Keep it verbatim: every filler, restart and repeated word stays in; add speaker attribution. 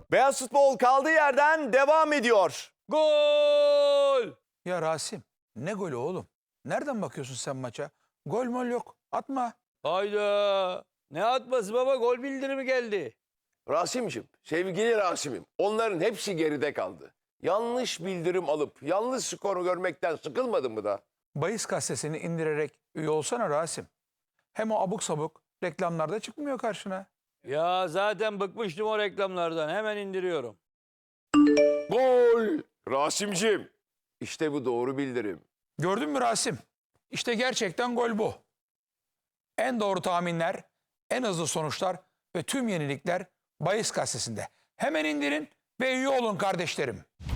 Speaker 1: Beyaz Futbol kaldığı yerden devam ediyor.
Speaker 2: Gol!
Speaker 3: Ya Rasim, ne golü oğlum? Nereden bakıyorsun sen maça? Gol mol yok. Atma.
Speaker 2: Hayda! Ne atması baba? Gol bildirimi geldi.
Speaker 4: Rasim'cim, sevgili Rasim'im, onların hepsi geride kaldı. Yanlış bildirim alıp yanlış skoru görmekten sıkılmadın mı da?
Speaker 3: Bahis gazetesini indirerek üye olsana Rasim. Hem o abuk sabuk reklamlarda çıkmıyor karşına.
Speaker 2: Ya zaten bıkmıştım o reklamlardan. Hemen indiriyorum.
Speaker 4: Gol! Rasim'cim, işte bu doğru bildirim.
Speaker 3: Gördün mü Rasim? İşte gerçekten gol bu. En doğru tahminler, en hızlı sonuçlar ve tüm yenilikler Bahis gazetesinde. Hemen indirin ve üye olun kardeşlerim.